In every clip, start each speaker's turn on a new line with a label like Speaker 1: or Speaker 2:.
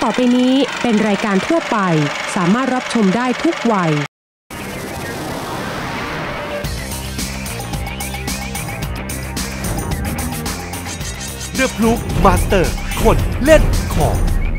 Speaker 1: ต่อไปนี้เป็นรายการทั่วไปสามารถรับชมได้ทุกวัย
Speaker 2: The Proof Master คนเล่นของ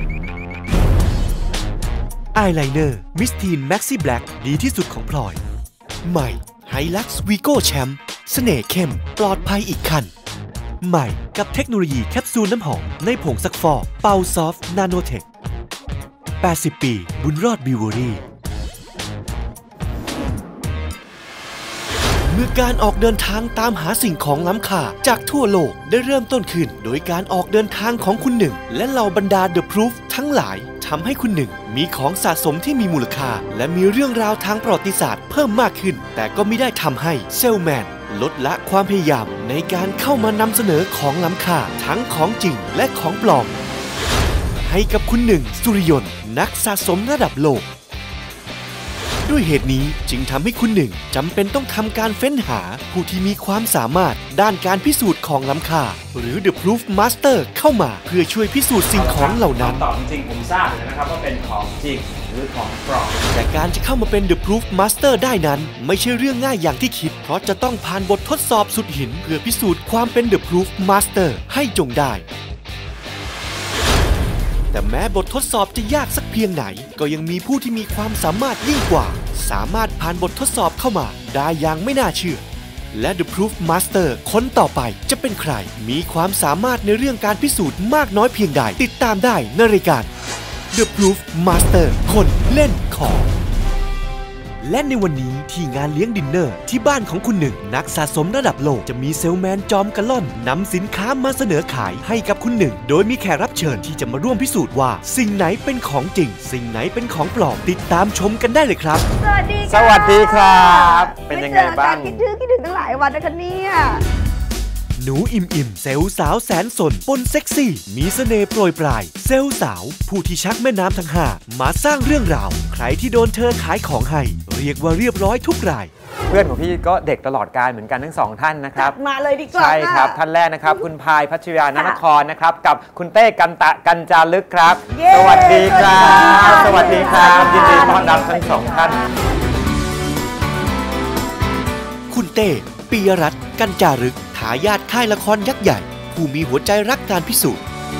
Speaker 2: อายไลเนอร์มิสทีนแม็กซี่แบล็กดีที่สุดของพลอยใหม่ไฮลักซ์วีโก้แชมป์เสน่ห์เข้มปลอดภัยอีกคันใหม่กับเทคโนโลยีแคปซูลน้ำหอมในผงซักฟอกเป่าซอฟต์นาโนเทค80 ปีบุญรอดบิวเวอรี่เมื่อการออกเดินทางตามหาสิ่งของล้ำค่าจากทั่วโลกได้เริ่มต้นขึ้นโดยการออกเดินทางของคุณหนึ่งและเหล่าบรรดา The Proof ทั้งหลายทำให้คุณหนึ่งมีของสะสมที่มีมูลค่าและมีเรื่องราวทางประวัติศาสตร์เพิ่มมากขึ้นแต่ก็ไม่ได้ทำให้เซลแมนลดละความพยายามในการเข้ามานำเสนอของล้ำค่าทั้งของจริงและของปลอมให้กับคุณหนึ่งสุริยนต์นักสะสมระดับโลกด้วยเหตุนี้จึงทำให้คุณหนึ่งจำเป็นต้องทำการเฟ้นหาผู้ที่มีความสามารถด้านการพิสูจน์ของล้ำค่าหรือ The Proof Master เข้ามาเพื่อช่วยพิสูจน์สิ่งของเหล่านั้น
Speaker 3: ตอบจริงผมทราบเลยนะครับว่าเป็นของจริงหรือของปลอม
Speaker 2: แต่การจะเข้ามาเป็น The Proof Master ได้นั้นไม่ใช่เรื่องง่ายอย่างที่คิดเพราะจะต้องผ่านบททดสอบสุดหินเพื่อพิสูจน์ความเป็น The Proof Master ให้จงได้แต่แม้บททดสอบจะยากสักเพียงไหนก็ยังมีผู้ที่มีความสามารถยิ่งกว่าสามารถผ่านบททดสอบเข้ามาได้อย่างไม่น่าเชื่อและ The Proof Master คนต่อไปจะเป็นใครมีความสามารถในเรื่องการพิสูจน์มากน้อยเพียงใดติดตามได้ในรายการ The Proof Master คนเล่นของและในวันนี้ที่งานเลี้ยงดินเนอร์ที่บ้านของคุณหนึ่งนักสะสมระดับโลกจะมีเซลแมนจอมกะล่อนนำสินค้ามาเสนอขายให้กับคุณหนึ่งโดยมีแขกรับเชิญที่จะมาร่วมพิสูจน์ว่าสิ่งไหนเป็นของจริงสิ่งไหนเป็นของปลอมติดตามชมกันได้เลยครับ
Speaker 3: สวัสดีครับเป็นยังไงบ้าง
Speaker 4: คิดถึงตั้งหลายวันนะคะเนี่ย
Speaker 2: หนูอิ่มเซลล์สาวแสนสนปนเซ็กซี่มีเสน่ห์โปรยปลายเซลล์สาวผู้ที่ชักแม่น้ำทั้งห้ามาสร้างเรื่องราวใครที่โดนเธอขายของให้เรียกว่าเรียบร้อยทุกราย
Speaker 3: เพื่อนของพี่ก็เด็กตลอดกาลเหมือนกันทั้งสองท่านนะครับ
Speaker 4: มาเลยดีกว่า
Speaker 3: ใช่ครับท่านแรกนะครับคุณพายพัชรยานนครนะครับกับคุณเต้กันจารึกครับสวัสดีครับสวัสดีครับยินดีต้อนรับทั้งสองท่าน
Speaker 2: คุณเต้ปิยรัตน์กันจารึกทายาทค่ายละครยักษ์ใหญ่ผู้มีหัวใจรักการพิสูจน์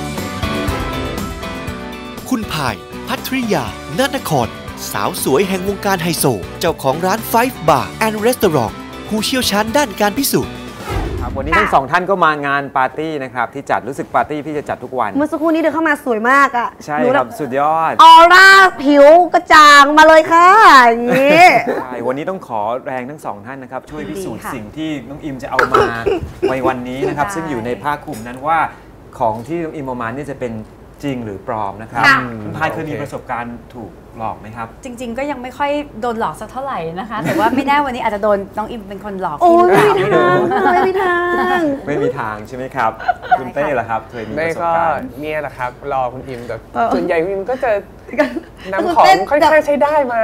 Speaker 2: คุณพายพัทริยานนครสาวสวยแห่งวงการไฮโซเจ้าของร้าน Five Bar and Restaurant ผู้เชี่ยวชาญด้านการพิสูจน์
Speaker 3: วันนี้ทั้งสองท่านก็มางานปาร์ตี้นะครับที่จัดรู้สึกปาร์ตี้พี่จะจัดทุกวัน
Speaker 4: เมื่อสักครู่นี้เดินเข้ามาสวยมากอ่ะ
Speaker 3: ใช่ครับสุดยอด
Speaker 4: ออร่าผิวกระจ่างมาเลยค่ะอย่างนี้
Speaker 3: ใช่วันนี้ต้องขอแรงทั้งสองท่านนะครับช่วยพิสูจน์สิ่งที่น้องอิมจะเอามาในวันนี้นะครับซึ่งอยู่ในผ้าคลุมนั้นว่าของที่น้องอิมเอามานี่จะเป็นจริงหรือปลอมนะครับคุณพายเคยมีประสบการณ์ถูกหลอกไหมครับ
Speaker 5: จริงๆก็ยังไม่ค่อยโดนหลอกสักเท่าไหร่นะคะแต่ว่าไม่แน่วันนี้อาจจะโดนน้องอิมเป็นคนหลอก
Speaker 4: พี่หรือเปล่าไม่มีท
Speaker 3: างใช่ไหมครับคุณเต้ล่ะครับเคยมีประสบการณ์
Speaker 6: เนี่ยแหละครับรอคุณอิมแต่ส่วนใหญ่คุณอิมก็จะนำของค่อยๆใช้ได้มา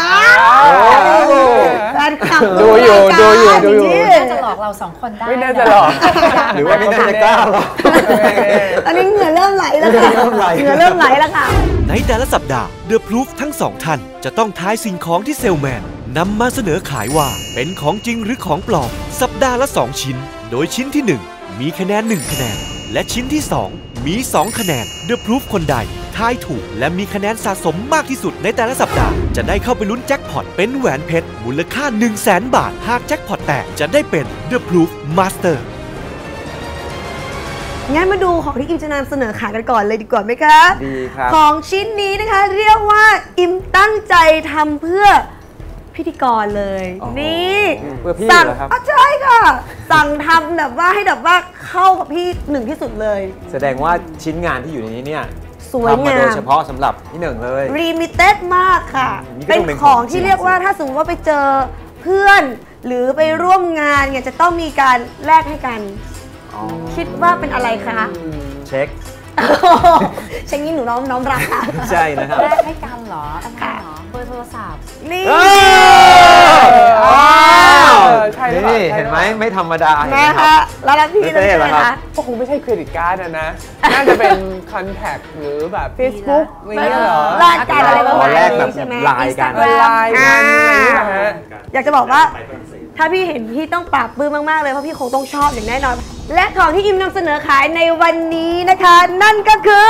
Speaker 4: ดูอยู่
Speaker 5: น่าจะหลอกเราสองคนได้
Speaker 6: ไม่น่าจะหลอก
Speaker 3: หรือว่าไม่น่าจะกล้าหรอก
Speaker 4: ตอนนี้เหงื่อเริ่มไหลแล้วค่ะ
Speaker 2: ในแต่ละสัปดาห์ The Proof ทั้งสองท่านจะต้องทายสิ่งของที่เซลแมนนำมาเสนอขายว่าเป็นของจริงหรือของปลอมสัปดาห์ละ2ชิ้นโดยชิ้นที่1มีคะแนน1คะแนนและชิ้นที่2มี2คะแนน The Proof คนใดทายถูกและมีคะแนนสะสมมากที่สุดในแต่ละสัปดาห์จะได้เข้าไปลุ้นแจ็คพอตเป็นแหวนเพชรมูลค่า 100,000 บาทหากแจ็คพอตแตกจะได้เป็น The Proof Master
Speaker 4: งั้นมาดูของที่อิมจะนำเสนอขายกันก่อนเลยดีกว่าไหมคะ
Speaker 3: ดีครับ
Speaker 4: ของชิ้นนี้นะคะเรียกว่าอิมตั้งใจทำเพื่อพิธีกรเลยนี่
Speaker 3: เพื่อพี่เหรอครับ
Speaker 4: ใช่ค่ะสั่งทำแบบว่าให้แบบว่าเข้ากับพี่หนึ่งที่สุดเลย
Speaker 3: แสดงว่าชิ้นงานที่อยู่ในนี้เนี่ย
Speaker 4: สวยงาม
Speaker 3: โดยเฉพาะสำหรับพี่หนึ่งเลย
Speaker 4: ลิมิเต็ดมากค่ะเป็นของที่เรียกว่าถ้าสมมติว่าไปเจอเพื่อนหรือไปร่วมงานเนี่ยจะต้องมีการแลกให้กันคิดว่าเป็นอะไรคะ
Speaker 3: เช็ค
Speaker 4: นี้หนูน้องรักค่ะ
Speaker 3: ใช่นะครับ
Speaker 5: แลกให้กันเหรออะไรเหรอเบอร์โทรศัพท์
Speaker 4: นี่
Speaker 6: ใช่หรือเปล่า
Speaker 3: นี่เห็นไหมไม่ธรรมดาเห็นไหม
Speaker 4: นะ
Speaker 3: ครั
Speaker 4: คะ
Speaker 3: บ
Speaker 4: แล้วพี่เลย
Speaker 3: เหรอครับ
Speaker 4: นะคะ
Speaker 6: ก็คงไม่ใช่เครดิตการ์ดนะ น่าจะเป็นคอนแทคหรือแบบ Facebook อะไรเงี้ยเหรอ
Speaker 4: แลกกันอะไรประมาณ
Speaker 3: แลกแบบ
Speaker 4: นี้ใช่ไหม
Speaker 3: ไลน์กัน
Speaker 4: Instagram
Speaker 6: ไลน์กันอะไรเงี้ยฮะ
Speaker 4: อยากจะบอกว่าถ้าพี่เห็นพี่ต้องปราบปลื้มมากๆเลยเพราะพี่คงต้องชอบอย่างแน่นอน และของที่อิมนำเสนอขายในวันนี้นะคะ นั่นก็คือ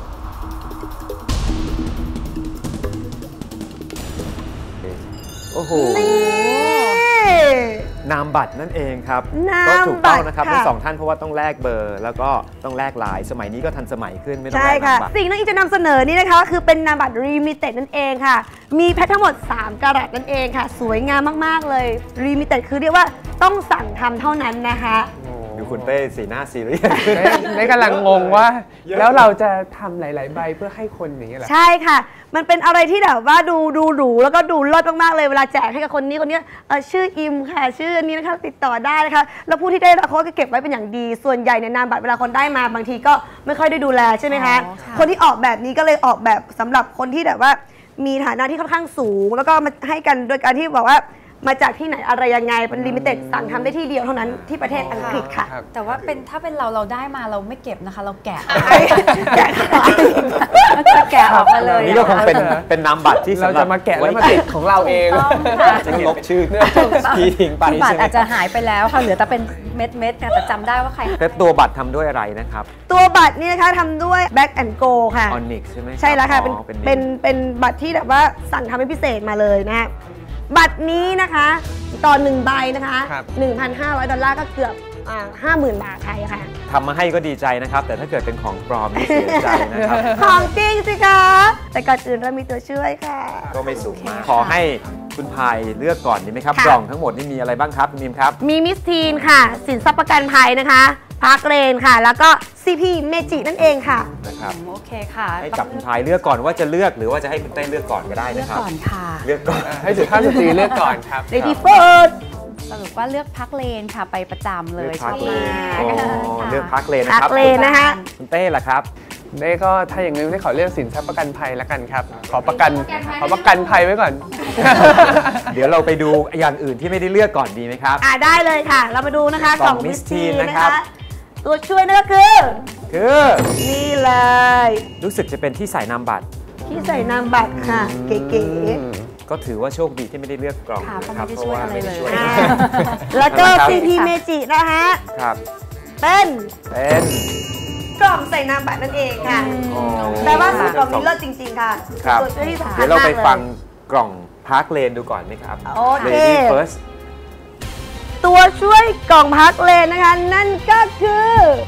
Speaker 3: โอ้โห
Speaker 4: นี่
Speaker 3: นามบัตรนั่นเองครับ
Speaker 4: นาม
Speaker 3: ก็ถูกต้องนะครับ
Speaker 4: บัตรค่ะ
Speaker 3: ทั้งสองท่านเพราะว่าต้องแลกเบอร์ แล้วก็ต้องแลกไลน์สมัยนี้ก็ทันสมัยขึ้นไม่ต้อง
Speaker 4: ใช่
Speaker 3: แลก
Speaker 4: ค่ะ
Speaker 3: นามบัตร
Speaker 4: สิ่งที่อิมจะนำเสนอนี้นะคะคือเป็นนามบัตรรีมิเต็ดนั่นเองค่ะ มีแพ็คทั้งหมด3กะรัตนั่นเองค่ะ สวยงามมากๆเลยรีมิเต็ดคือเรียกว่าต้องสั่งทำเท่านั้นนะคะ
Speaker 3: ดูคุณเต้สีหน้าซีเรียส
Speaker 6: ในกำลังงงว่า แล้วเราจะทำหลาย ๆ ใบเพื่อให้คนอย่างเงี้ยเหรอ
Speaker 4: ใช่ค่ะ มันเป็นอะไรที่แบบว่าดูหรูแล้วก็ดูเลิศมากๆเลยเวลาแจกให้กับคนนี้ชื่ออิมค่ะ ชื่ออันนี้นะคะติดต่อได้นะคะแล้วผู้ที่ได้รับเขาก็เก็บไว้เป็นอย่างดี ส่วนใหญ่ในนามบัตรเวลาคนได้มาบางทีก็ไม่ค่อยได้ดูแลใช่ไหมคะ
Speaker 5: อ๋อค่ะ
Speaker 4: คนที่ออกแบบนี้ก็เลยออกแบบสำหรับคนที่แบบว่ามีฐานะที่ค่อนข้างสูง แล้วก็มาให้กันโดยการที่บอกว่ามาจากที่ไหนอะไรยังไงเป็นลิมิเต็ดสั่งทำได้ที่เดียวเท่านั้นที่ประเทศอังกฤษค่ะ
Speaker 6: ครับ
Speaker 5: แต่ว่าถ้าเป็นเราได้มาเราไม่เก็บนะคะ เราแกะ
Speaker 4: แกะขาย
Speaker 5: จะแกะออกมาเลย
Speaker 3: นี่ก็คงเป็นนามบัตรที่
Speaker 6: เรา
Speaker 3: สำหรั
Speaker 6: จะ
Speaker 3: บ
Speaker 6: มาแกะแล้วมาติดของเราเอง
Speaker 3: จะลบชื่อพี่ทิ้งไป
Speaker 5: คือบัต
Speaker 3: ใช่
Speaker 5: ร
Speaker 3: ไหม
Speaker 5: อาจจะหายไปแล้วค่ะเหลือแต่เป็นเม็ดๆค่ะแต่จำได้ว่าใคร
Speaker 3: แล้วตัวบัตรทำด้วยอะไรนะครับ
Speaker 4: ตัวบัตรนี่นะคะทำด้วย Black and Gold ค่ะ
Speaker 3: Onyx ใช่ไหม
Speaker 4: ใช่แล้วค่ะ
Speaker 3: อ๋อ
Speaker 4: เป็นบัตรที่แบบว่าสั่งทำเป็นพิเศษมาเลยนะฮะบัตรนี้นะคะต่อ1ใบนะคะ
Speaker 6: ครับ
Speaker 4: 1,500 ดอลลาร์ก็เกือบ50,000 บาทไทยค่ะ
Speaker 3: ทำมาให้ก็ดีใจนะครับ แต่ถ้าเกิดเป็นของปลอมนี่เสียใจนะครับ
Speaker 4: ของจริงสิคะแต่ก่อนอื่นเรามีตัวช่วยค่ะ
Speaker 3: ก็ไม่สูงมาก ขอให้คุณพายเลือกก่อนดีไหมครับ
Speaker 4: ค่ะ
Speaker 3: กล่องทั้งหมดนี่มีอะไรบ้างครับคุณนิมครับ
Speaker 4: มีมิสทีนค่ะ สินทรัพย์ประกันภัยนะคะพาร์คเลนค่ะ แล้วก็ CP เมจินั่นเองค่ะ
Speaker 3: นะครับ
Speaker 5: โอเคค่ะ
Speaker 3: ให้จับคุณพายเลือกก่อนว่าจะเลือกหรือว่าจะให้คุณเต้เลือกก่อนก็ได้
Speaker 5: เลือ
Speaker 3: นะ
Speaker 5: ก
Speaker 3: ครับ
Speaker 5: ก่อนค่ะ
Speaker 3: เลือกก่อน
Speaker 6: ให้สุภาพสตรีเลือกก่อนครับ
Speaker 4: Lady First
Speaker 5: สรุปว่าเลือกพักเลนค่ะไปประจำเล
Speaker 3: เลื
Speaker 5: ย
Speaker 3: อกพัก
Speaker 5: ช
Speaker 3: เล
Speaker 5: อบ
Speaker 3: น
Speaker 5: มาก
Speaker 3: อ๋อ
Speaker 5: ค่ะ
Speaker 3: เลือกพักเลน
Speaker 4: พั
Speaker 3: นะ
Speaker 4: ก
Speaker 3: ครับ
Speaker 4: เลนนะคะ
Speaker 3: คุณเต้ล่ะครับ
Speaker 6: ได้ก็ถ้าอย่างนี้ได้ขอเลือกสินทรัพย์ประกันภัยแล้วกันครับ ขอประกันภัยไว้ก่อน
Speaker 3: เดี๋ยวเราไปดูอย่างอื่นที่ไม่ได้เลือกก่อนดีไหมครับ
Speaker 4: ได้เลยค่ะ เรามาดูนะคะ
Speaker 3: กล่อง
Speaker 4: มิส
Speaker 3: Miss
Speaker 4: ที
Speaker 3: Teen
Speaker 4: น
Speaker 3: นะ
Speaker 4: นะ
Speaker 3: ครั
Speaker 4: คะ
Speaker 3: บ
Speaker 4: ตัวช่วยนั่นก็คือ
Speaker 3: คือ
Speaker 4: นี่เลย
Speaker 3: รู้สึกจะเป็นที่ใส่นามบัตร
Speaker 4: ที่ใส่นามบัตรค่ะ เก๋
Speaker 3: ก็ถือว่าโชคดีที่ไม่ได้เลือกกล่อง
Speaker 5: ค่ะ
Speaker 3: นะครับ
Speaker 5: เพราะไม่ได้ช่วยอะไรเลย
Speaker 4: ๆแล้วก็
Speaker 3: นะครับ
Speaker 4: CP เมจินะคะ
Speaker 3: ครับ
Speaker 4: เป็น
Speaker 3: เป็น
Speaker 4: กล่องใส่นามบัตรนั่นเองค่ะ
Speaker 3: อ๋อ
Speaker 4: แปลว่าสูตรกล่องนี้เลิศจริงๆค่ะ
Speaker 3: ครับ
Speaker 4: ตัวช่วยที่สำคัญ
Speaker 3: เดี๋ยวเราไป
Speaker 4: มกลย
Speaker 3: ฟังกล่องพาร์คเลนดูก่อนไหมครับ
Speaker 4: โอเค
Speaker 3: Lady First
Speaker 4: ตัวช่วยกล่องพักเลนนะคะ นั่นก็คือ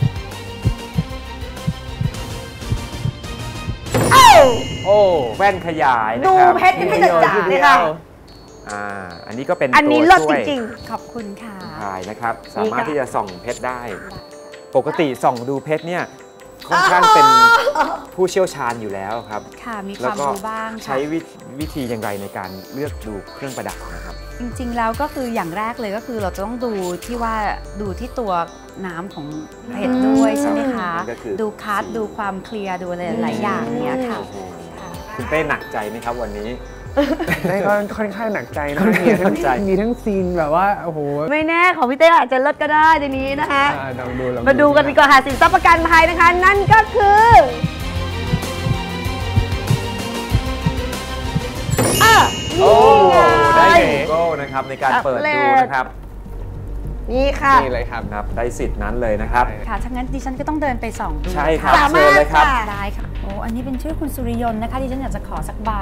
Speaker 4: เอ้า
Speaker 6: โอ้
Speaker 3: แว่นขยายนะ
Speaker 4: ดู
Speaker 3: ครับ
Speaker 4: เพชรให้จ๋าๆเลยค่ะ
Speaker 3: อันนี้ก็เป็น
Speaker 4: อันนี้
Speaker 3: ตัว
Speaker 4: เลิศ
Speaker 3: ช่
Speaker 4: จ
Speaker 3: วย
Speaker 4: ริง
Speaker 5: ขอบคุณค่ะ
Speaker 3: ถ่ายนะครับ
Speaker 4: นี่
Speaker 3: สามารถ
Speaker 4: ค่ะ
Speaker 3: ที่จะส่องเพชรได้ ปกติส่องดูเพชรเนี่ยค่อนข้างเป็นผู้เชี่ยวชาญอยู่แล้วครับ
Speaker 5: ค่ะ มีค
Speaker 3: แล้ว
Speaker 5: วาม
Speaker 3: ก็
Speaker 5: รู้บ้างค่ะ
Speaker 3: ใช้วิธีอย่างไรในการเลือกดูเครื่องประดับนะครับ
Speaker 5: จริงๆ แล้วก็คืออย่างแรกเลยก็คือเราจะต้องดูที่ว่าดูที่ตัวน้ำของเพชรด้วยใช่ไหมคะ
Speaker 3: นั่นก็คือ
Speaker 5: ดูคัสดูความเคลียร์ดูอะไรหลายอย่างเนี้ยค่ะ
Speaker 3: โอ้โห
Speaker 5: ค่ะ
Speaker 3: คุณเต้หนักใจไหมครับวันนี้
Speaker 6: ได้ก็ค่อนข้างหนักใจนะ
Speaker 3: ค่อนข้างหนักใจ
Speaker 6: มีทั้งซีนแบบว่าโอ้โห
Speaker 4: ๆ ไม่แน่ของพี่เต้อาจจะเลิศก็ได้ในนี้นะคะ
Speaker 6: ลองดูลอง
Speaker 4: มาดูกันดีกว่าค่ะสินทรัพย์ประกันภัยนะคะ นั่นก็คือนี่
Speaker 3: โอ้
Speaker 4: ไง
Speaker 3: ได้โก้นะครับในการเปิดดูนะครับ
Speaker 4: นี่ค่ะ
Speaker 6: นี่เลยครับ
Speaker 3: ครับ ได้สิทธิ์นั้นเลยนะครับ
Speaker 5: ค่ะถ้างั้นดิฉันก็ต้องเดินไปส่องดู
Speaker 3: ใช่ครับ
Speaker 4: สามารถ
Speaker 3: เชิญเลยครับ
Speaker 4: ค่ะ
Speaker 5: ได้ค่ะ โอ้ อันนี้เป็นชื่อคุณสุริยนต์นะคะดิฉันอยากจะขอสักใบ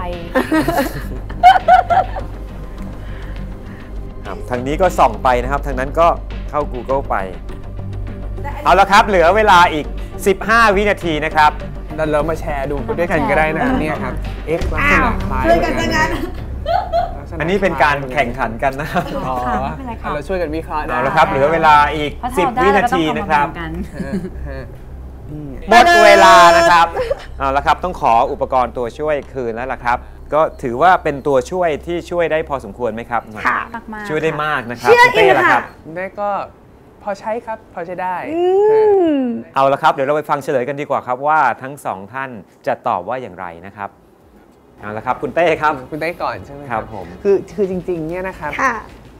Speaker 3: ครับทางนี้ก็ส่องไปนะครับ ทางนั้นก็เข้า Google ไป เอาละครับ เหลือเวลาอีก 15 วินาทีนะครับ
Speaker 6: เรามาแชร์ดูไปด้วยกันก็ได้นะครับเนี่ยครับ X ลักษณะคล้าย
Speaker 4: ช่วยกันซะงั้น
Speaker 3: อันนี้เป็นการแข่งขันกันนะครับ
Speaker 6: อ๋อ
Speaker 5: ค่ะไม่เป็นไรค่ะ
Speaker 6: เราช่วยกันวิเคราะห์ได้
Speaker 3: เอาละครับ เหลือเวลาอีก
Speaker 5: เพราะถ้าเรา
Speaker 3: 10
Speaker 5: ได้
Speaker 3: วิ
Speaker 5: เรา
Speaker 3: นา
Speaker 5: ก็ต้อง
Speaker 3: ที
Speaker 5: เอา
Speaker 3: นะ
Speaker 5: มา
Speaker 3: ครับ
Speaker 5: แบ่งกัน
Speaker 6: ฮะนี่
Speaker 3: หมดเวลานะครับ เอาละครับ ต้องขออุปกรณ์ตัวช่วยคืนแล้วล่ะครับ ก็ถือว่าเป็นตัวช่วยที่ช่วยได้พอสมควรไหมครับ
Speaker 4: ค่ะ
Speaker 5: มากๆ
Speaker 3: ช่วยได้มากนะครับ
Speaker 4: เชื่อ
Speaker 3: คุณเต้
Speaker 4: อิน
Speaker 3: ล่ะ
Speaker 4: ค่ะ
Speaker 3: ครับ
Speaker 6: ได้ก็พอใช้ครับ พอใช้ได้
Speaker 3: เอาละครับ เดี๋ยวเราไปฟังเฉลยกันดีกว่าครับว่าทั้งสองท่านจะตอบว่าอย่างไรนะครับ เอาละครับคุณเต้ครับ
Speaker 6: คุณได้ก่อนใช่ไหม
Speaker 3: ครับผม
Speaker 6: คือจริงๆเนี่ยนะครับ
Speaker 4: ค่ะ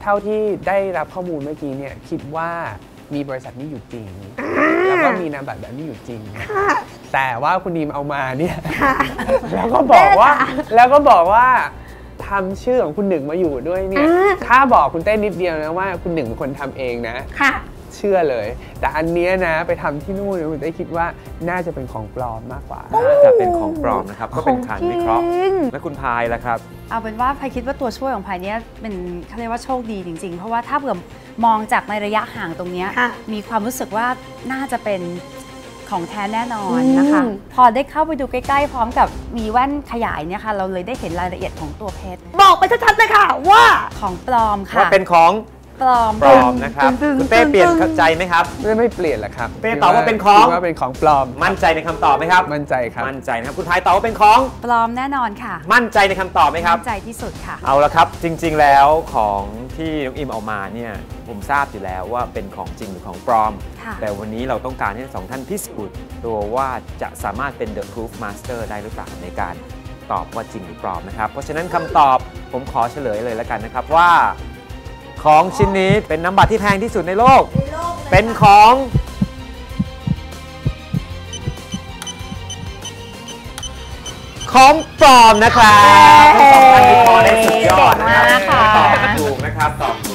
Speaker 6: เท่าที่ได้รับข้อมูลเมื่อกี้เนี่ยคิดว่ามีบริษัทนี้อยู่จริงแล้วก็มีนามบัตรแบบนี้อยู่จริงแต่ว่าคุณดีมเอามาเนี่ยแล้วก็บอกว่าทำชื่อของคุณหนึ่งมาอยู่ด้วยเนี่ยถ้าบอกคุณเต้นิดเดียวนะว่าคุณหนึ่งเป็นคนทำเองนะเชื่อเลยแต่อันเนี้ยนะไปทำที่นู่นคุณเต้คิดว่าน่าจะเป็นของปลอมมากกว่า
Speaker 3: น่าจะเป็นของปลอมนะครับก็เป็นการวิเคราะห์และคุณพายล่ะครับ
Speaker 5: เอาเป็นว่าพายคิดว่าตัวช่วยของพายเนี้ยเป็นเขาเรียกว่าโชคดีจริงๆเพราะว่าถ้าเผื่อมองจากในระยะห่างตรงนี้มีความรู้สึกว่าน่าจะเป็นของแท้แน่นอนนะคะพอได้เข้าไปดูใกล้ๆพร้อมกับมีแว่นขยายเนี่ยค่ะเราเลยได้เห็นรายละเอียดของตัวเพชร
Speaker 4: บอกไปชัดๆเลยค่ะว่า
Speaker 5: ของปลอมค่ะ
Speaker 3: ว่าเป็นของ
Speaker 5: ปลอม
Speaker 3: นะครับคุณเป้เปลี่ยนใจไหมครับ
Speaker 6: ไม่เปลี่ยนแหละครับ
Speaker 3: เป้ตอบว่าเป็นของ
Speaker 6: ปลอม
Speaker 3: มั่นใจในคำตอบไหมครับ
Speaker 6: มั่นใจครับ
Speaker 3: มั่นใจนะครับคุณพายตอบว่าเป็นของ
Speaker 5: ปลอมแน่นอนค่ะ
Speaker 3: มั่นใจในคำตอบไหมครับ
Speaker 5: มั่นใจที่สุดค่ะ
Speaker 3: เอาละครับจริงๆแล้วของที่น้องอิมเอามาเนี่ยผมทราบอยู่แล้วว่าเป็นของจริงหรือของปลอมแต่วันนี้เราต้องการให้สองท่านพิสูจน์ตัวว่าจะสามารถเป็น The Proof Master ได้หรือเปล่าในการตอบว่าจริงหรือปลอมนะครับเพราะฉะนั้นคำตอบผมขอเฉลยเลยแล้วกันนะครับว่าของชิ้นนี้เป็นน้ำบัตรที่แพงที่สุดในโลกเป็นของปลอมนะครับทั้งสองท่านวิเคราะห์ได้สุดยอดนะครับตอบถูกนะครับตอบ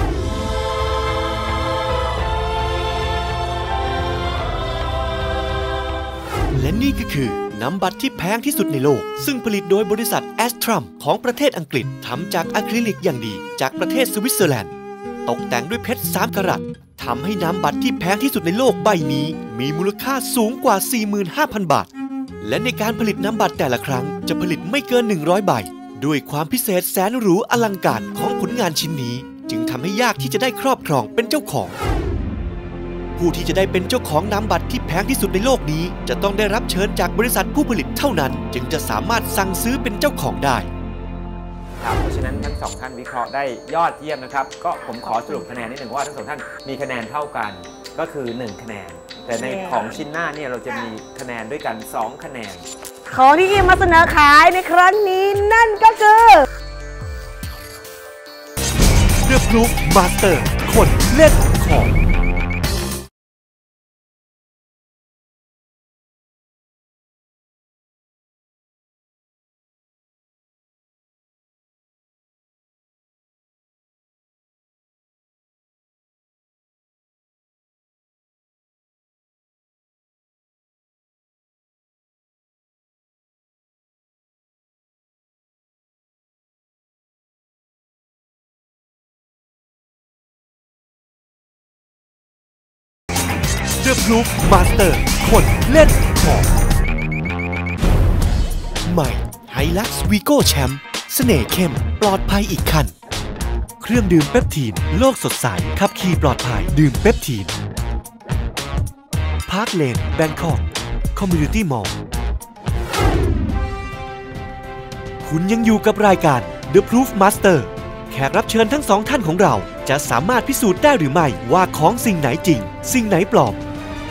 Speaker 2: และนี่ก็คือน้ำบัตรที่แพงที่สุดในโลกซึ่งผลิตโดยบริษัทแอสทรัมของประเทศอังกฤษทำจากอะคริลิกอย่างดีจากประเทศสวิตเซอร์แลนด์ตกแต่งด้วยเพชร3 กะรัตทำให้น้ำบัตรที่แพงที่สุดในโลกใบนี้มีมูลค่าสูงกว่า 45,000 บาทและในการผลิตน้ำบัตรแต่ละครั้งจะผลิตไม่เกิน100 ใบด้วยความพิเศษแสนหรูอลังการของผลงานชิ้นนี้จึงทำให้ยากที่จะได้ครอบครองเป็นเจ้าของผู้ที่จะได้เป็นเจ้าของน้ำบัตรที่แพงที่สุดในโลกนี้จะต้องได้รับเชิญจากบริษัทผู้ผลิตเท่านั้นจึงจะสามารถสั่งซื้อเป็นเจ้าของได้
Speaker 3: ครับเพราะฉะนั้นทั้งสองท่านวิเคราะห์ได้ยอดเยี่ยมนะครับก็ผมขอสรุปคะแนนนิดหนึ่งว่าทั้งสองท่านมีคะแนนเท่ากันก็คือ1 คะแนนแต่ในของชิ้นหน้าเนี่ยเราจะมีคะแนนด้วยกัน2 คะแนน
Speaker 4: ของที่อิมมาเสนอขายในครั้งนี้นั่นก็คือ
Speaker 2: The Proof Master คนเล่นของThe Proof Master คนเล่นของใหม่ Hilux Vigo Champ เสน่ห์เข้มปลอดภัยอีกคันเครื่องดื่มเปปทีนโลกสดใสขับขี่ปลอดภัยดื่มเปปทีนพาร์คเลนแบงคอกคอมมูนิตี้มอลล์คุณยังอยู่กับรายการ The Proof Master แขกรับเชิญทั้ง2 ท่านของเราจะสามารถพิสูจน์ได้หรือไม่ว่าของสิ่งไหนจริงสิ่งไหนปลอม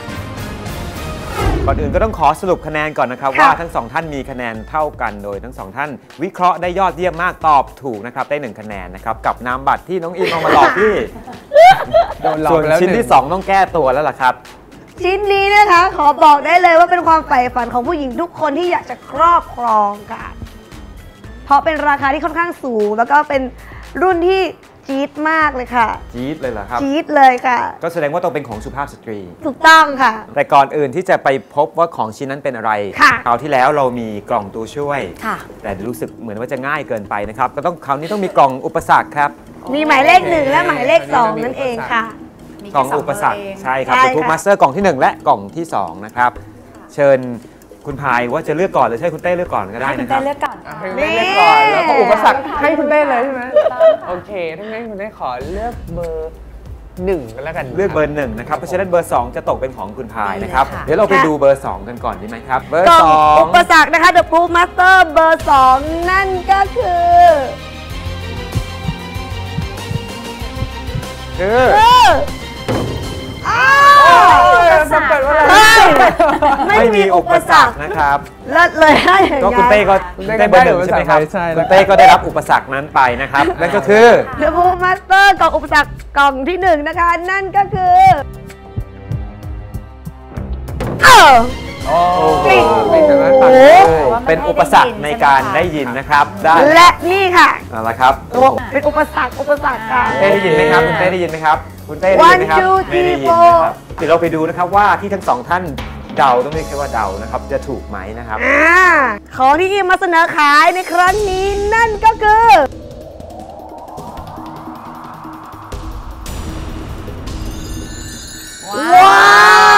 Speaker 3: ก่อนอื่นก็ต้องขอสรุปคะแนนก่อนนะครับว่าทั้ง2ท่านมีคะแนนเท่ากันโดยทั้ง2ท่านวิเคราะห์ได้ยอดเยี่ยมมากตอบถูกนะครับได้1 คะแนนนะครับกับน้ำบัตรที่น้องอิมเอามาหลอกพี่ส่วนชิ้นที่2ต้องแก้ตัวแล้วล่ะครับ
Speaker 4: ชิ้นนี้นะคะขอบอกได้เลยว่าเป็นความใฝ่ฝันของผู้หญิงทุกคนที่อยากจะครอบครองค่ะเพราะเป็นราคาที่ค่อนข้างสูงแล้วก็เป็นรุ่นที่จี๊ดมากเลยค่ะ
Speaker 3: จี๊ดเลยเหรอครับ
Speaker 4: จี๊ดเลยค่ะ
Speaker 3: ก็แสดงว่าต้องเป็นของสุภาพสตรี
Speaker 4: ถูกต้องค่ะ
Speaker 3: แต่ก่อนอื่นที่จะไปพบว่าของชิ้นนั้นเป็นอะไรคราวที่แล้วเรามีกล่องตัวช่วยแต่รู้สึกเหมือนว่าจะง่ายเกินไปนะครับก็ต้องคราวนี้ต้องมีกล่องอุปสรรคครับ
Speaker 4: มีหมายเลข1และหมายเลข2นั่นเองค่ะ
Speaker 3: กล่องอุปสรรคใช่ครับเป็นทูมาสเตอร์กล่องที่1และกล่องที่2นะครับเชิญคุณพายว่าจะเลือกก่อนหรือใช่คุณเต้เลือกก่อนก็ได้นะครับ
Speaker 5: คุณเต้เลือกก่อน
Speaker 6: ให้คุณเต้เลือกก่อนแล้วก็อุปสรรคให้คุณเต้เลยใช่ไหมโอเคถ้างั้นคุณเต้ขอเลือกเบอร์1กันแล้วกัน
Speaker 3: เลือกเบอร์1นะครับเพราะฉะนั้นเบอร์2จะตกเป็นของคุณพายนะครับเดี๋ยวเราไปดูเบอร์2กันก่อนดีไหมครับเบอร์2
Speaker 4: อุปสรรคนะคะ The Proof Master เบอร์2นั่นก็คือ
Speaker 6: มันเปิดว่าอะไร
Speaker 3: ไม่มีอุปสรรคนะครับ
Speaker 4: เลิศเลยให้อย่าง
Speaker 3: ก็
Speaker 4: เงี้ย
Speaker 3: คุณเต้ก็ได้เบอร์หนึ่งใช่ไหมครับคุณเต้ก็ได้รับอุปสรรคนั้นไปนะครับนั่นก็คือ
Speaker 4: The Proof Master กล่องอุปสรรคกล่องที่1นะคะนั่นก็คือ
Speaker 3: เป็นอุปสรรคในการได้ยินนะครับได้
Speaker 4: และนี่ค่ะ
Speaker 3: เอาละครับ
Speaker 4: เป็นอุปสรรคค่ะ
Speaker 3: เต้ได้ยินไหมครับคุณเต้ได้ยินไหมครับคุณเต้ได้ยินไหมครับ
Speaker 4: 1 2 3
Speaker 3: ไม่ได้ยินนะครับเดี๋ยวเราไปดูนะครับว่าที่ทั้งสองท่านเดาต้องเรียกแค่ว่าเดานะครับจะถูกไหมนะครับ
Speaker 4: ของที่อิมมาเสนอขายในครั้งนี้นั่นก็คือว้าว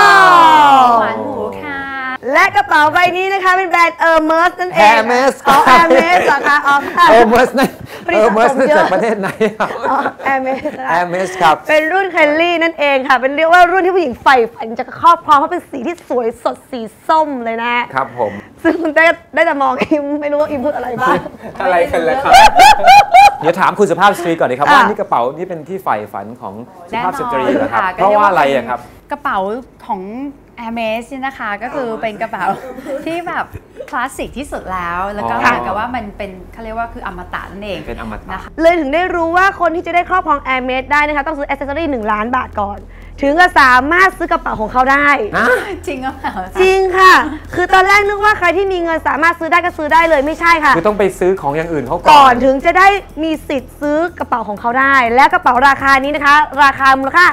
Speaker 5: หวานหูค่ะ
Speaker 4: และกระเป๋าใบนี้นะคะเป็นแบรนด์เออร์เมสนั่นเอง
Speaker 3: Hermes
Speaker 4: อ๋อแอร์เมสเหรอคะอ๋อค่ะ
Speaker 3: เออร์เมสนั่นจากประเทศไหนครับ
Speaker 4: อ๋อแอร์เมส
Speaker 3: แอร์เมสครับ
Speaker 4: เป็นรุ่นเคลลี่นั่นเองค่ะ เป็นเรียกว่ารุ่นที่ผู้หญิงใฝ่ฝันจะครอบครองเพราะเป็นสีที่สวยสดสีส้มเลยนะครับ
Speaker 3: ผม
Speaker 4: ซึ่งคุณเต้ได้แต่มองอิมไม่รู้ว่าอิมพูดอะไรบ้าง
Speaker 6: อะไรกันล่ะครับ
Speaker 3: เดี๋ยวถามคุณสุภาพสตรีก่อนดีครับว่านี่กระเป๋านี่เป็นที่ใฝ่ฝันของสุภาพสตรีเหรอครับเพราะว่าอะไรอะครับ
Speaker 5: กระเป๋าของ Hermes เนี่ยนะคะก็คือเป็นกระเป๋าที่แบบคลาสสิกที่สุดแล้วก็เหมือนกับว่ามันเป็นเขาเรียกว่าคืออมตะนั่นเอง
Speaker 3: เป็นอมตะ
Speaker 5: นะคะ
Speaker 4: เลยถึงได้รู้ว่าคนที่จะได้ครอบครองแอร์เมสได้นะคะต้องซื้ออ c เซสซอรี่1 ล้านบาทก่อน ถึงจะสามารถซื้อกระเป๋าของเขาได้
Speaker 5: จริงหรือเปล่า
Speaker 4: จริงค่ะ คือตอนแรกนึกว่าใครที่มีเงินสามารถซื้อได้ก็ซื้อได้เลยไม่ใช่ค่ะ
Speaker 3: คือต้องไปซื้อของอย่างอื่นเขา
Speaker 4: ก่
Speaker 3: ก่
Speaker 4: อ
Speaker 3: อน น
Speaker 4: ถึงจะได้มีสิทธิ์ซื้อกระเป๋าของเขาได้ และกระเป๋าราคานี้นะคะ ราคามูลค่า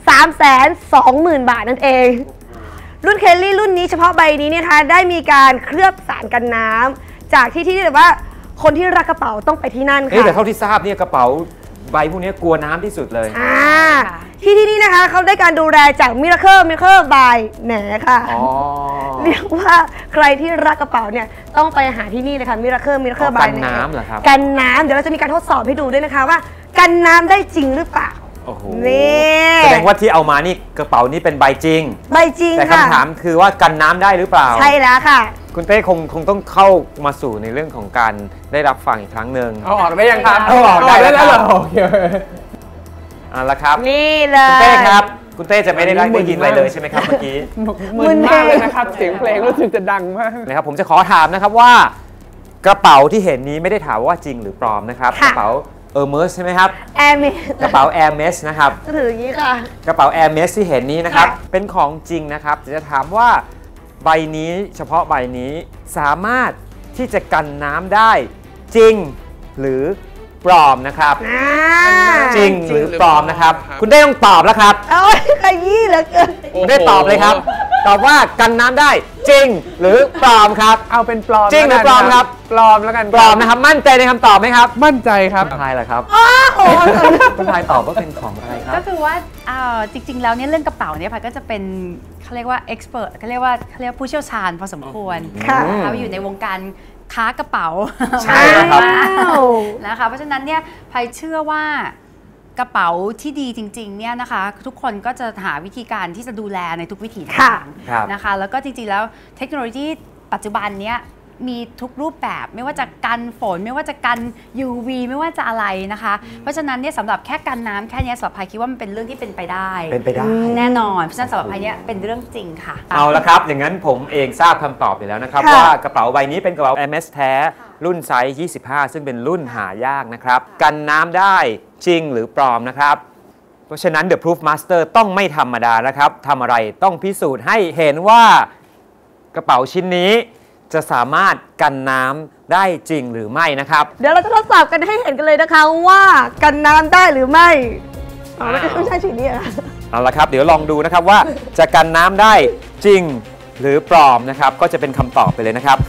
Speaker 4: 320,000 บาทนั่นเอง รุ่นเคลลี่รุ่นนี้เฉพาะใบนี้เนี่ยนะคะได้มีการเคลือบสารกันน้ำจากที่แบบว่าคนที่รักกระเป๋าต้องไปที่นั่นค่ะ
Speaker 3: แต่เท่าที่ทราบเนี่ยกระเป๋าใบพวกนี้กลัวน้ำที่สุดเลย
Speaker 4: ที่นี่นะคะเขาได้การดูแลจากมิราเคิลบายแหนค่ะ
Speaker 3: อ๋อ
Speaker 4: เรียกว่าใครที่รักกระเป๋าเนี่ยต้องไปหาที่นี่เลยค่ะมิราเคิลบาย
Speaker 3: กันน้ำเหรอครับ
Speaker 4: กันน้ำเดี๋ยวเราจะมีการทดสอบให้ดูด้วยนะคะว่ากันน้ำได้จริงหรือเปล่า
Speaker 3: โอ้โห
Speaker 4: นี่
Speaker 3: แสดงว่าที่เอามานี่กระเป๋านี้เป็นใบจริง
Speaker 4: ใบจริง
Speaker 3: แต่
Speaker 4: ค่ะ
Speaker 3: คำถามคือว่ากันน้ำได้หรือเปล่า
Speaker 4: ใช่แล้วค่ะ
Speaker 3: คุณเต้คงต้องเข้ามาสู่ในเรื่องของการได้รับฟังอีกครั้งหนึ่ง
Speaker 6: เอาออกได้ยังครับ
Speaker 3: เอาออกได้แล้วครับ
Speaker 6: เหรอโอเค
Speaker 3: เอาละครับ
Speaker 4: นี่เล
Speaker 3: คุณ
Speaker 4: ย
Speaker 3: เต้ครับคุณเต้จะไม่ได้ยินอะไรเลยใช่ไหมครับเมื่อกี้
Speaker 6: มึนมากเลยนะครับ เสียงเพลงรู้สึกจะดังมาก
Speaker 3: นะครับผมจะขอถามนะครับว่ากระเป๋าที่เห็นนี้ไม่ได้ถามว่าจริงหรือปลอมนะครับกระเป๋าเออร์เมสใช่ไหมครับ
Speaker 4: แอร์เมส
Speaker 3: กระเป๋า Hermes นะครับ
Speaker 4: ก็ถืออย่างนี้ค่ะ
Speaker 3: กระเป๋า Hermes ที่เห็นนี้นะครับ
Speaker 4: ค่ะ
Speaker 3: เป็นของจริงนะครับจะถามว่าใบนี้เฉพาะใบนี้สามารถที่จะกันน้ำได้จริงหรือปลอมนะครับ จริงหรือปลอมนะครับ คุณได้ต้องตอบแล้วครับ
Speaker 4: เอาขยี้เหลือเกิน
Speaker 3: คุณได้ตอบเลยครับ ตอบว่ากันน้ำได้จริงหรือปลอมครับ
Speaker 6: เอาเป็นปลอม
Speaker 3: จริงหรือปลอมครับ
Speaker 6: ปลอมแล้วกัน
Speaker 3: ปลอมนะครับมั่นใจในคำตอบไหมครับ
Speaker 6: มั่นใจครับ
Speaker 3: คุณพายเหรอครับ
Speaker 4: โอ้โห
Speaker 3: คุณพายตอบว่าเป็นของอะไรครั
Speaker 5: ก็
Speaker 3: บ
Speaker 5: คือว่าจริง ๆ แล้วเนี่ยเรื่องกระเป๋าเนี่ยพายก็จะเป็นเขาเรียกว่าเอ็กซ์เพรสเขาเรียกว่าผู้เชี่ยวชาญพอสมควร
Speaker 4: ค่ะ
Speaker 5: นะคะอยู่ในวงการค้ากระเป๋า
Speaker 3: ใช่ครับ
Speaker 5: นะคะเพราะฉะนั้นเนี่ยพายเชื่อว่ากระเป๋าที่ดีจริงๆเนี่ยนะคะทุกคนก็จะหาวิธีการที่จะดูแลในทุกวิถีทาง
Speaker 3: ครับ
Speaker 5: นะคะแล้วก็จริงๆแล้วเทคโนโลยีปัจจุบันเนี้ยมีทุกรูปแบบไม่ว่าจะกันฝนไม่ว่าจะกัน UV ไม่ว่าจะอะไรนะคะ เพราะฉะนั้นเนี่ยสำหรับแค่กันน้ำแค่เนี้ยสำหรับพายคิดว่ามันเป็นเรื่องที่เป็นไปได้
Speaker 3: เป็นไปได้
Speaker 5: แน่นอนเพราะฉะนั้นสำหรับพายเนี่ยเป็นเรื่องจริงค่ะ
Speaker 3: เอาละครับ อย่างนั้นผมเองทราบคำตอบอยู่แล้วนะครับ
Speaker 4: ค่ะ
Speaker 3: ว่ากระเป๋าใบนี้เป็นกระเป๋า Hermes แท้ รุ่นไซส์ 25 ซึ่งเป็นรุ่นหายากนะครับ กันน้ำได้จริงหรือปลอมนะครับ เพราะฉะนั้น The Proof Master ต้องไม่ธรรมดานะครับทำอะไรต้องพิสูจน์ให้เห็นว่ากระเป๋าชิ้นนี้จะสามารถกันน้ำได้จริงหรือไม่นะครับ
Speaker 4: เดี๋ยวเราจะทดสอบกันให้เห็นกันเลยนะคะว่ากันน้ำได้หรือไม่อ๋อไม่ใช่สีนี้อะ
Speaker 3: เอาละครับ เดี๋ยวลองดูนะครับว่าจะกันน้ำได้จริงหรือปลอมนะครับ ก็จะเป็นคำตอบไปเลยนะครับ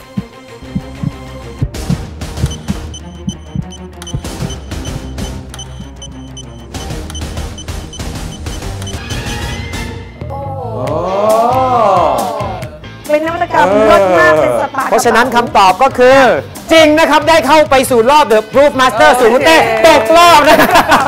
Speaker 4: เป็นนวัตกรรมรสมากเป็นสปา
Speaker 3: เพราะฉะนั้นคำตอบก็คือ จริงนะครับ ได้เข้าไปสู่รอบ The Proof Master สู่คุณเต้ตกรอบนะครับ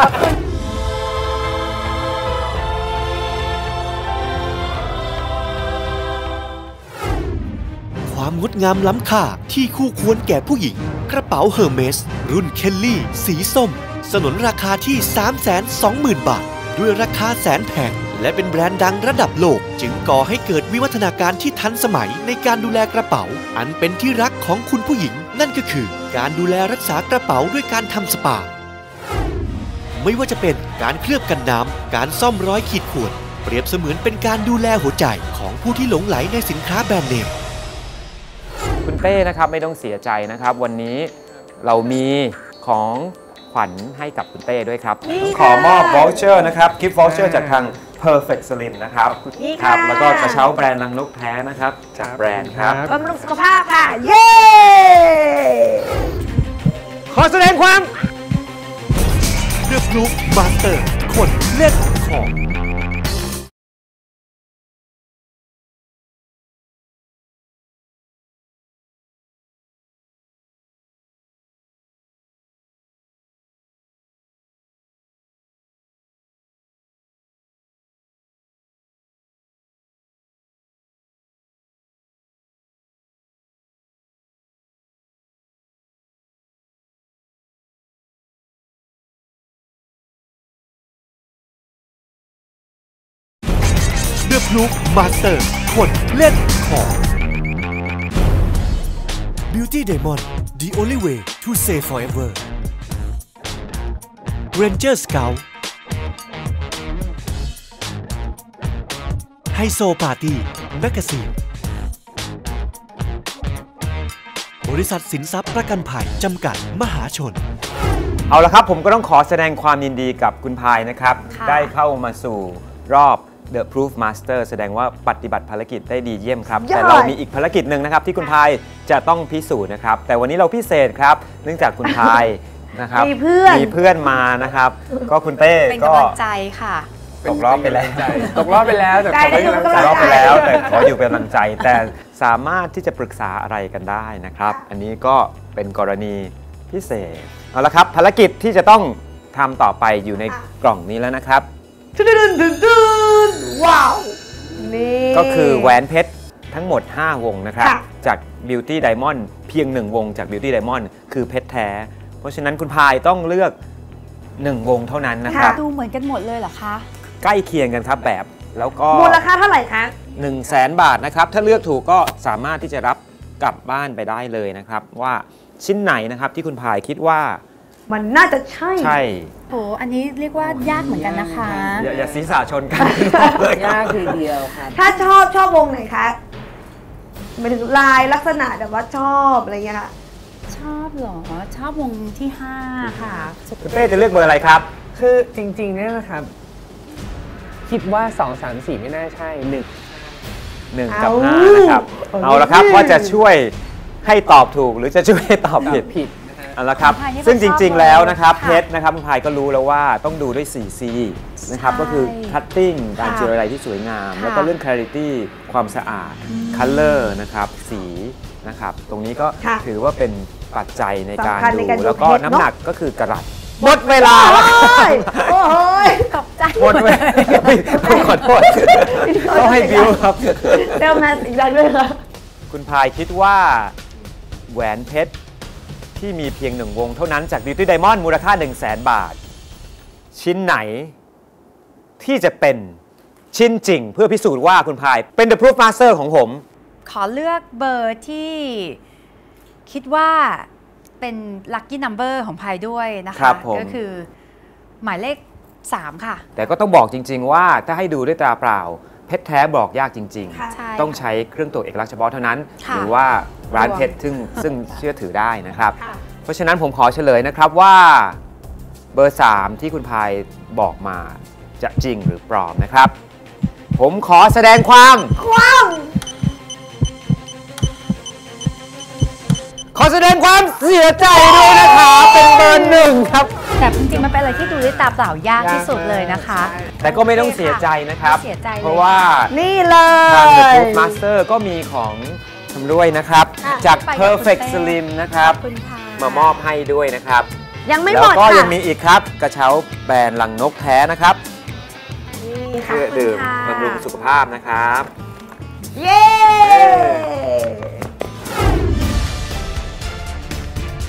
Speaker 2: ความงดงามล้ำค่าที่คู่ควรแก่ผู้หญิง กระเป๋าเฮอร์เมสรุ่นเคลลี่สีส้มสนนราคาที่ 320,000 บาท ด้วยราคาแสนแพงและเป็นแบรนด์ดังระดับโลกจึงก่อให้เกิดวิวัฒนาการที่ทันสมัยในการดูแลกระเป๋าอันเป็นที่รักของคุณผู้หญิงนั่นก็คือการดูแลรักษากระเป๋าด้วยการทำสปาไม่ว่าจะเป็นการเคลือบกันน้ำการซ่อมรอยขีดข่วนเปรียบเสมือนเป็นการดูแลหัวใจของผู้ที่หลงไหลในสินค้าแบรนด์เนม
Speaker 3: คุณเต้นะครับไม่ต้องเสียใจนะครับวันนี้เรามีของขวัญให้กับคุณเต้ด้วยครับขอมอบ voucher นะครับกิฟต์ voucher จากทาง Perfect Slim นะครับครับแล้วก็กระเช้าแบรนด์รังนกแท้นะครับจากแบรนด์ครับ
Speaker 4: บำรุงสุขภาพค่ะเย้
Speaker 3: ขอแสดงความ
Speaker 2: The Proof Master คนเล่นของThe Proof Master คนเล่นของ Beauty Diamond The Only Way to Say Forever Ranger Scout Haiso Party Magazine บริษัทสินทรัพย์ประกันภัยจำกัดมหาชน
Speaker 3: เอาละครับผมก็ต้องขอแสดงความยินดีกับคุณพายนะครับได้เข้ามาสู่รอบ The Proof Master แสดงว่าปฏิบัติภารกิจได้ดีเยี่ยมครับแต่เรามีอีกภารกิจหนึ่งนะครับที่คุณพายจะต้องพิสูจน์นะครับแต่วันนี้เราพิเศษครับเนื่องจากคุณพายนะครับมีเพื่อนมานะครับก็คุณเต้
Speaker 5: เป็นกำลังใจค่ะ
Speaker 3: ตกรอบไปแล้ว
Speaker 6: แต่ขอเป็นกำลังใจ
Speaker 3: ตกรอบไปแล้วแต่ขออยู่เป็นกำลังใจแต่สามารถที่จะปรึกษาอะไรกันได้นะครับอันนี้ก็เป็นกรณีพิเศษเอาละครับภารกิจที่จะต้องทำต่อไปอยู่ในกล่องนี้แล้วนะครับ
Speaker 4: ว้าวนี่
Speaker 3: ก็คือแหวนเพชรทั้งหมด5วงนะครับจาก Beauty Diamond เพียง1วงจาก Beauty Diamond คือเพชรแท้เพราะฉะนั้นคุณพายต้องเลือก1วงเท่านั้นนะครับ
Speaker 5: ดูเหมือนกันหมดเลยเหรอคะ
Speaker 3: ใกล้เคียงกันครับแบบแล้วก็
Speaker 4: มูลค่าเท่าไหร่คะ
Speaker 3: 100,000 บาทนะครับถ้าเลือกถูกก็สามารถที่จะรับกลับบ้านไปได้เลยนะครับว่าชิ้นไหนนะครับที่คุณพายคิดว่า
Speaker 4: มันน่าจะใช่
Speaker 5: โหอันนี้เรียกว่ายากเหมือนกันนะคะ
Speaker 3: อย่าศีรษะชนกัน
Speaker 6: ยากทีเดียวค่ะ
Speaker 4: ถ้าชอบวงไหนคะหมายถึงลายลักษณะแบบว่าชอบอะไรเงี้ยค่ะ
Speaker 5: ชอบหรอชอบวงที่5ค่ะ
Speaker 3: คุณเป้จะเลือกเบอร์อะไรครับ
Speaker 6: คือจริงๆเนี่ยนะครับคิดว่า2 3 4ไม่น่าใช่1
Speaker 3: กับ5นะครับเอาละครับว่าจะช่วยให้ตอบถูกหรือจะช่วยให้ตอบผิดเอาละครับซึ่งจริงๆแล้วนะครับเพชรนะครับคุณพายก็รู้แล้วว่าต้องดูด้วย 4C นะครับก็คือ cutting การเจรไลที่สวยงามแล้วก็เรื่อง clarity ความสะอาด color นะครับสีนะครับตรงนี้ก็ถือว่าเป็นปัจจัยในการดูแล้วก็น้ำหนักก็คือกะรัตหมดเวลาแล้ว
Speaker 4: โอ้ย
Speaker 5: ตกใจ
Speaker 3: หมดเวลาต้องขอโทษต้องให้บิวครับ
Speaker 4: เติมมาอีกอย่างด้วยครับ
Speaker 3: คุณพายคิดว่าแหวนเพชรที่มีเพียง1วงเท่านั้นจาก Beauty Diamond มูลค่า 100,000 บาทชิ้นไหนที่จะเป็นชิ้นจริงเพื่อพิสูจน์ว่าคุณพายเป็น The Proof Master ของผม
Speaker 5: ขอเลือกเบอร์ที่คิดว่าเป็น Lucky Number ของพายด้วยนะคะก็คือหมายเลข3ค่ะ
Speaker 3: แต่ก็ต้องบอกจริงๆว่าถ้าให้ดูด้วยตาเปล่าเพชรแท้บอกยากจริงๆต้องใช้เครื่องตรวจเอกลักษณ์เฉพาะเท่านั้นหรือว่าร้านเพชรซึ่งเชื่อถือได้นะครับเพราะฉะนั้นผมขอเฉลยนะครับว่าเบอร์3ที่คุณพายบอกมาจะจริงหรือปลอมนะครับผมขอแสดงความขอแสดงความเสียใจด้วยนะครับเป็นเบอร์1ครับ
Speaker 5: แต่จริงๆมันเป็นอะไรที่ดูด้วยตาเปล่ายากที่สุดเลยนะคะ
Speaker 3: แต่ก็ไม่ต้องเสียใจนะครับเพราะว่า
Speaker 4: นี่เล
Speaker 3: ยทาง The Proof Master ก็มีของชำร่วยนะครับจาก Perfect Slim นะครับมามอบให้ด้วยนะครับ
Speaker 4: ยังไม่หมดค่ะ
Speaker 3: แล้วก็ยังมีอีกครับกระเช้าแบรนด์รังนกแท้นะครับเพื่อดื่มบำรุงสุขภาพนะครับ
Speaker 4: เย้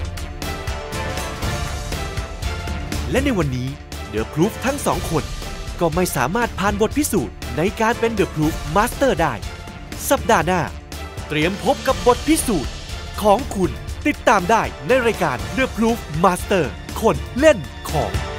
Speaker 2: และในวันนี้ The Proof ทั้ง2 คนก็ไม่สามารถผ่านบทพิสูจน์ในการเป็น The Proof Master ได้สัปดาห์หน้าเตรียมพบกับบทพิสูจน์ของคุณติดตามได้ในรายการ The Proof Master คนเล่นของ